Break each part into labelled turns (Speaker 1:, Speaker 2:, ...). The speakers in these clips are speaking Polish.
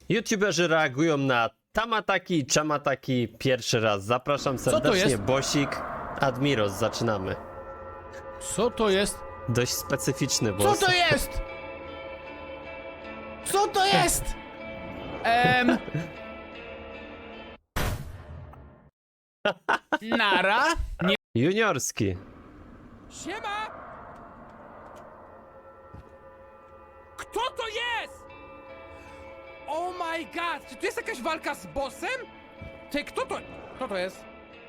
Speaker 1: YouTuberzy reagują na Tamataki i Chamataki pierwszy raz. Zapraszam serdecznie,
Speaker 2: jest?
Speaker 1: Bosik, Admiros, zaczynamy.
Speaker 2: Co to jest?
Speaker 1: Dość specyficzny
Speaker 2: Co
Speaker 1: boss.
Speaker 2: to jest? Co to jest? Nara? Nie.
Speaker 1: Juniorski.
Speaker 3: Siema! Kto to jest? Oh my god! Czy tu jest jakaś walka z bossem? Ty, kto to... Kto to jest?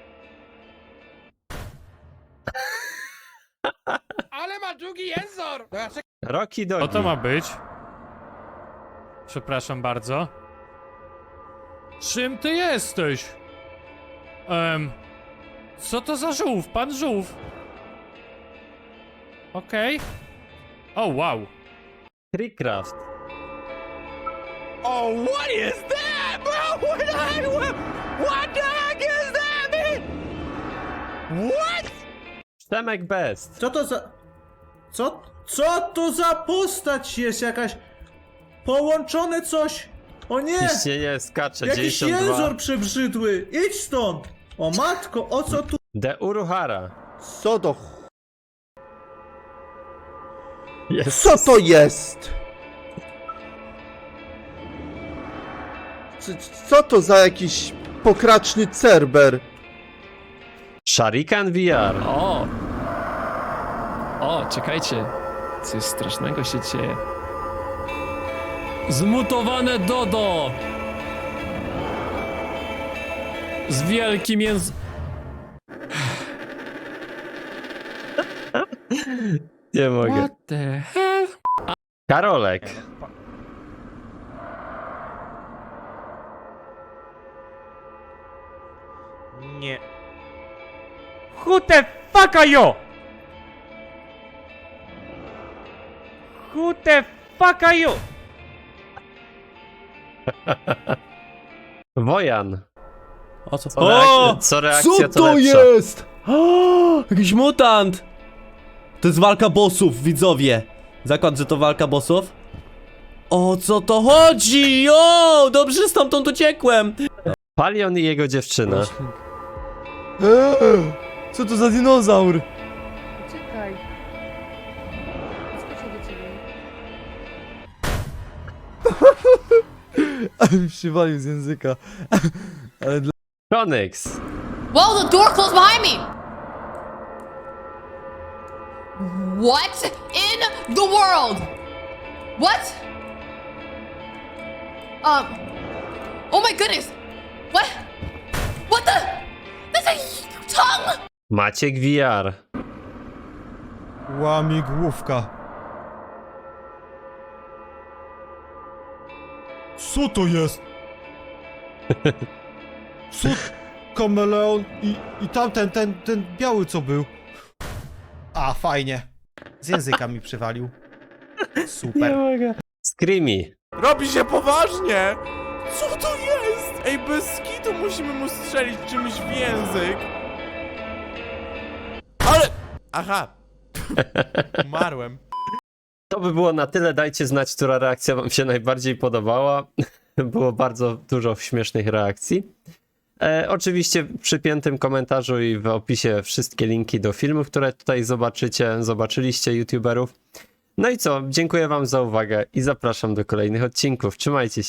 Speaker 3: Ale ma długi jęzor! Dobra, czekaj.
Speaker 1: Rocky
Speaker 4: Co
Speaker 1: Dogi.
Speaker 4: to ma być? Przepraszam bardzo. Czym ty jesteś? Co to za żółw? Pan żółw. Okej. O, wow.
Speaker 1: Treecraft.
Speaker 3: Oh, what is that, bro? What the heck is that, man? What?
Speaker 1: Przemek Best.
Speaker 5: Co to za... Co to za postać jest jakaś... Połączone coś? O nie!
Speaker 1: Ciśnienie skacze,
Speaker 5: Jakiś
Speaker 1: 92.
Speaker 5: jęzor przebrzydły! Idź stąd! O matko, o co tu...
Speaker 1: De Uruhara.
Speaker 6: Co to?
Speaker 1: Jest.
Speaker 6: Co to jest? Co to za jakiś pokraczny cerber?
Speaker 1: Sharikan VR.
Speaker 7: O, czekajcie. Coś strasznego się dzieje. Zmutowane Dodo! Z wielkim
Speaker 1: Nie mogę.
Speaker 7: What the hell?
Speaker 1: Karolek.
Speaker 8: Nie.
Speaker 4: Who the fuck are you? Who the fuck are you?
Speaker 1: Wojan.
Speaker 9: O co?
Speaker 1: Co reakcja
Speaker 9: Co to
Speaker 1: lepsza.
Speaker 9: jest? O, jakiś mutant! To jest walka bossów, widzowie. Zakład, że to walka bossów? O co to chodzi? O, dobrze stamtąd uciekłem.
Speaker 1: Palion i jego dziewczyna.
Speaker 9: Co to za dinozaur?
Speaker 10: Czekaj. Skoczę do ciebie.
Speaker 9: Ale mi przywalił z języka. Ale dla...
Speaker 1: Konyx.
Speaker 10: Whoa, the door closed behind me! What in the world? What? Oh my goodness! What? What the? That's a tongue!
Speaker 1: Maciek VR.
Speaker 8: Łamigłówka. Co to jest? Co? Kameleon i tamten, ten biały co był. A, fajnie. Z języka mi przywalił. Super.
Speaker 1: Screamy.
Speaker 8: Robi się poważnie! Co to jest? Ej, bez skitu musimy mu strzelić czymś w język. Ale... Aha. Umarłem.
Speaker 1: To by było na tyle. Dajcie znać, która reakcja wam się najbardziej podobała. Było bardzo dużo śmiesznych reakcji. Oczywiście w przypiętym komentarzu i w opisie wszystkie linki do filmów, które tutaj zobaczyliście youtuberów. No i co? Dziękuję wam za uwagę i zapraszam do kolejnych odcinków. Trzymajcie się.